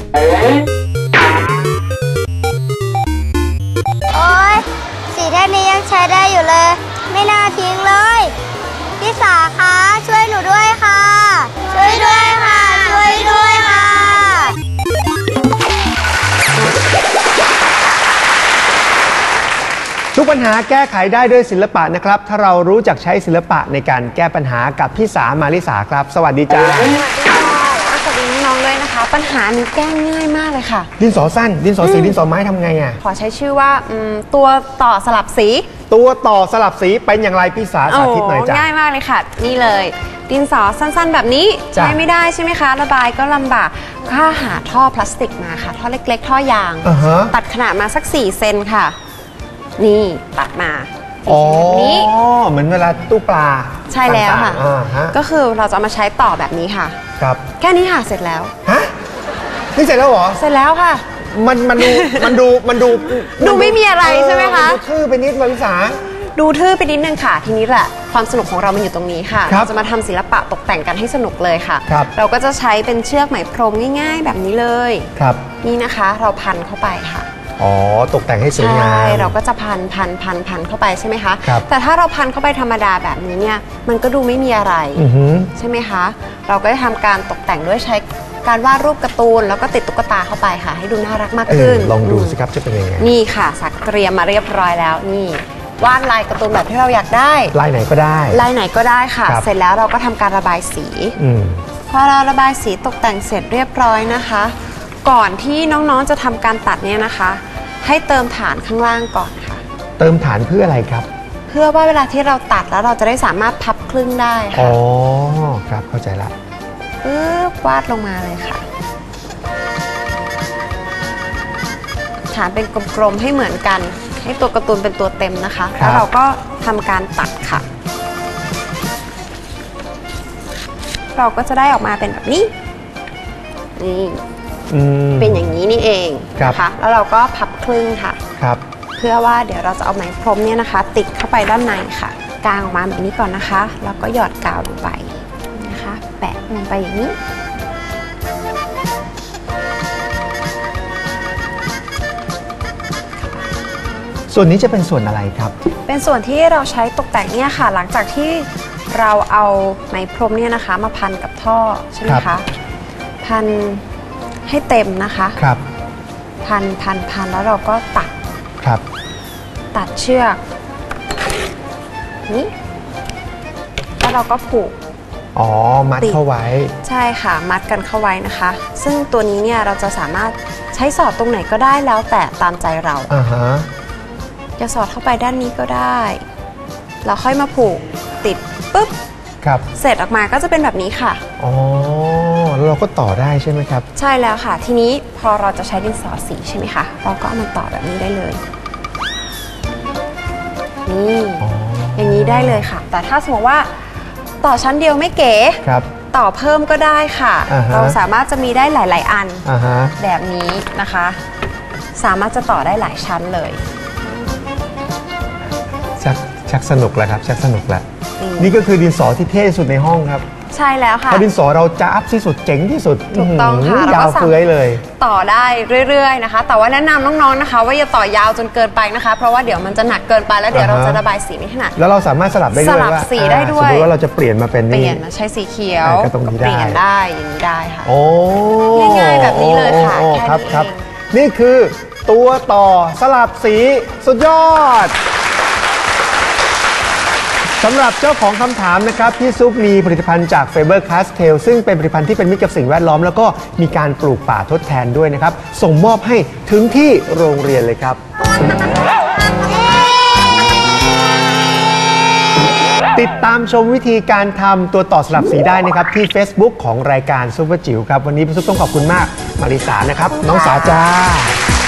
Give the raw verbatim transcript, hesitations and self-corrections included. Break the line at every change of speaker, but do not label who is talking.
โอ๊ยสีแท่งนี้ยังใช้ได้อยู่เลยไม่น่าทิ้งเลยพี่สาคะช่วยหนูด้วยค่ะช่วยด้วยค่ะช่วยด้วยค่ะ
ทุกปัญหาแก้ไขได้ด้วยศิลปะนะครับถ้าเรารู้จักใช้ศิลปะในการแก้ปัญหากับพี่สามาริสาครับสวัสดีจ้า
สวัสดีค่ะสวัสดีน้องๆด้วยนะคะปัญหานี้แก้ง่ายมากเลยค่ะ
ดินสอสั้นดินสอสีดินสอไม้ทำไงอ่ะ
ขอใช้ชื่อว่าตัวต่อสลับสี
ตัวต่อสลับสีเป็นอย่างไรพี่สาสาธิตหน่อยจ้า
ง่ายมากเลยค่ะนี่เลยดินสอสั้นๆแบบนี้ใช้ไม่ได้ใช่ไหมคะระบายก็ลำบากก็หาท่อพลาสติกมาค่ะท่อเล็กๆท่อยาง
uh-huh.
ตัดขนาดมาสักสี่เซนค่ะนี่ตัดมา
อ๋อเหมือนเวลาตู้ปลา
ใช่แล้วค่ะก็คือเราจะเอามาใช้ต่อแบบนี้ค่ะ
ครับ
แค่นี้ค่ะเสร็จแล้ว
ฮะนี่เสร็จแล้วเหรอ
เสร็จแล้วค่ะ
มันมันดูมันดูมันดู
ดูไม่มีอะไรใช่ไหมคะ
ดูทื่อไปนิดมาริสา
ดูทื่อไปนิดนึงค่ะทีนี้แหละความสนุกของเรามันอยู่ตรงนี้ค่ะเราจะมาทำศิลปะตกแต่งกันให้สนุกเลยค่ะเราก็จะใช้เป็นเชือกไหมพรมง่ายๆแบบนี้เลย
ครับ
นี่นะคะเราพันเข้าไปค่ะ
อ๋อตกแต่งให้สวยงาม
ใช่เราก็จะพันพันพันพันเข้าไปใช่ไหมคะแต่ถ้าเราพันเข้าไปธรรมดาแบบนี้เนี่ยมันก็ดูไม่มีอะไรใช่ไหมคะเราก็จะทำการตกแต่งด้วยใช้การวาดรูปการ์ตูนแล้วก็ติดตุ๊กตาเข้าไปค่ะให้ดูน่ารักมากขึ้น
ลองดูสิครับจะเป็นยังไง
นี่ค่ะสักเตรียมมาเรียบร้อยแล้วนี่วาดลายการ์ตูนแบบที่เราอยากได้
ลายไหนก็ได้
ลายไหนก็ได้ค่ะเสร็จแล้วเราก็ทำการระบายสีพอเราระบายสีตกแต่งเสร็จเรียบร้อยนะคะก่อนที่น้องๆจะทำการตัดเนี่ยนะคะให้เติมฐานข้างล่างก่อนค่ะ
เติมฐานเพื่ออะไรครับ
เพื่อว่าเวลาที่เราตัดแล้วเราจะได้สามารถพับครึ่งได้ค่ะ
อ๋อครับเข้าใจละ
ปึ๊บวาดลงมาเลยค่ะฐานเป็นกลมๆให้เหมือนกันให้ตัวการ์ตูนเป็นตัวเต็มนะคะแล้วเราก็ทำการตัดค่ะเราก็จะได้ออกมาเป็นแบบนี้นี่เป็นอย่างนี้นี่เองนะคะแล้วเราก็พับครึ่งค่ะ
ครับ
เพื่อว่าเดี๋ยวเราจะเอาไหมพรมเนี่ยนะคะติดเข้าไปด้านในค่ะกางออกมาแบบนี้ก่อนนะคะแล้วก็หยอดกาวลงไปนะคะแปะลงไปอย่างนี้
ส่วนนี้จะเป็นส่วนอะไรครับ
เป็นส่วนที่เราใช้ตกแต่งเนี่ยค่ะหลังจากที่เราเอาไหมพรมเนี่ยนะคะมาพันกับท่อใช่ไหมคะพันให้เต็มนะคะ
ครับ
พันพันพันแล้วเราก็ตัด
ครับ
ตัดเชือกนี้แล้วเราก็ผูก
อ๋อมัดเข้าไว้
ใช่ค่ะมัดกันเข้าไว้นะคะซึ่งตัวนี้เนี่ยเราจะสามารถใช้สอดตรงไหนก็ได้แล้วแต่ตามใจเรา
อ่าฮะ
จะสอดเข้าไปด้านนี้ก็ได้เราค่อยมาผูกติดปุ๊บ
ครับ
เสร็จออกมาก็จะเป็นแบบนี้ค่ะ
อ๋อแล้วเราก็ต่อได้ใช่ไหมครับ
ใช่แล้วค่ะทีนี้พอเราจะใช้ดินสอสีใช่ไหมคะเราก็เอามาต่อแบบนี้ได้เลยนี่อย่างนี้ได้เลยค่ะแต่ถ้าสมมติว่าต่อชั้นเดียวไม่เก๋ต่อเพิ่มก็ได้ค่ะเราสามารถจะมีได้หลายๆอันแบบนี้นะคะสามารถจะต่อได้หลายชั้นเลย
ชักชักสนุกแล้วครับชักสนุกแล้วนี่ก็คือดินสอที่เท่สุดในห้องครับ
ใช่แล้วค่ะ
เพราะดินสอเราจะอัพที่สุดเจ๋งที่สุด
ถูกต้องค่ะ
ยาวเฟื้อยเลย
ต่อได้เรื่อยๆนะคะแต่ว่าแนะนำน้องๆนะคะว่าอย่าต่อยาวจนเกินไปนะคะเพราะว่าเดี๋ยวมันจะหนักเกินไปแล้วเดี๋ยวเราจะระบายสีไม่ถนัด
แล้วเราสามารถสลับได้ด้วย
สลับสีได้ด้วย
สมมติว่าเราจะเปลี่ยนมาเป็น
เปลี่ยนมาใช้สีเขียว
ก็ตรงนี้ได้
เปลี่ยนได้อย่างนี้ได้ค่ะ
โอ้
ง่ายๆแบบนี้เลยค่ะ
แค่นี้ครับนี่คือตัวต่อสลับสีสุดยอดสำหรับเจ้าของคำถามนะครับพี่ซุปมีผลิตภัณฑ์จาก Faber Castell ซึ่งเป็นผลิตภัณฑ์ที่เป็นมิตรกับสิ่งแวดล้อมแล้วก็มีการปลูกป่าทดแทนด้วยนะครับส่งมอบให้ถึงที่โรงเรียนเลยครับติดตามชมวิธีการทำตัวต่อสลับสีได้นะครับที่ Facebook ของรายการซุปเปอร์จิ๋วครับวันนี้พี่ซุปต้องขอบคุณมากมาริสานะครับน้องสาจ้า